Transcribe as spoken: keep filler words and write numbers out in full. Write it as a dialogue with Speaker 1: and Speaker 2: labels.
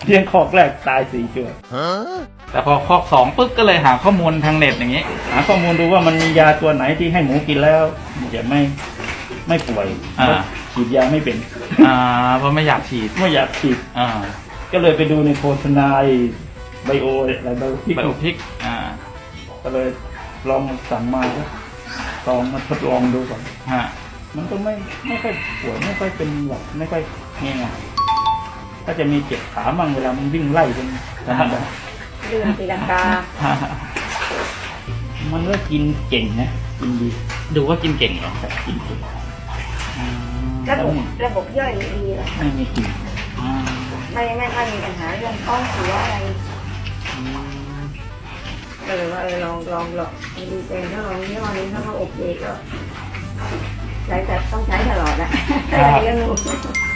Speaker 1: เลี้ยงคอกแรกตายสี่ตัว
Speaker 2: แต่พอคอกสองปุ๊บก็เลยหาข้อมูลทางเน็ตอย่างนี้
Speaker 1: หาข้อมูลดูว่ามันมียาตัวไหนที่ให้หมูกินแล้วจะไม่ไม่ป่วย
Speaker 2: อ่า
Speaker 1: ฉีดยาไม่เป็น
Speaker 2: อ่าเพราะไม่อยากฉีด
Speaker 1: ไม่อยากฉีด
Speaker 2: อ่า
Speaker 1: ก็เลยไปดูในโฆษณาไบโออะไรไบโอพิก
Speaker 2: ไบโอพิกอ่า
Speaker 1: ก็เลยลองสั่งมาแล้วลองมาทดลองดูก่อน
Speaker 2: ฮะ
Speaker 1: มันก็ไม่ไม่ค่อยป่วยไม่ค่อยเป็นหวัดไม่ค่อยง่ายๆก็จะมีเจ็บขาบ้างเวลามันวิ่งไล่เป็นธรรมดา
Speaker 3: เรื่องตีลังกา
Speaker 1: มันก็กินเก่งนะกินดี
Speaker 2: ดูว่ากินเก่งเหรอ
Speaker 1: แต่กินเก่ง
Speaker 3: ระบบระบบย่อยดีเหรอ
Speaker 1: ไม่มีกิน
Speaker 2: อ่า
Speaker 3: ไม่ไม่ค่อยมีปัญหาเรื่องท้องเสียอะไรก็เลยว่าเออลองลองลองดูเองถ้าลองยี่ห้อนี้ถ้าเขาโอเคก็ใช้แต่ต้องใช้ตลอดนะเลี้ยงลูก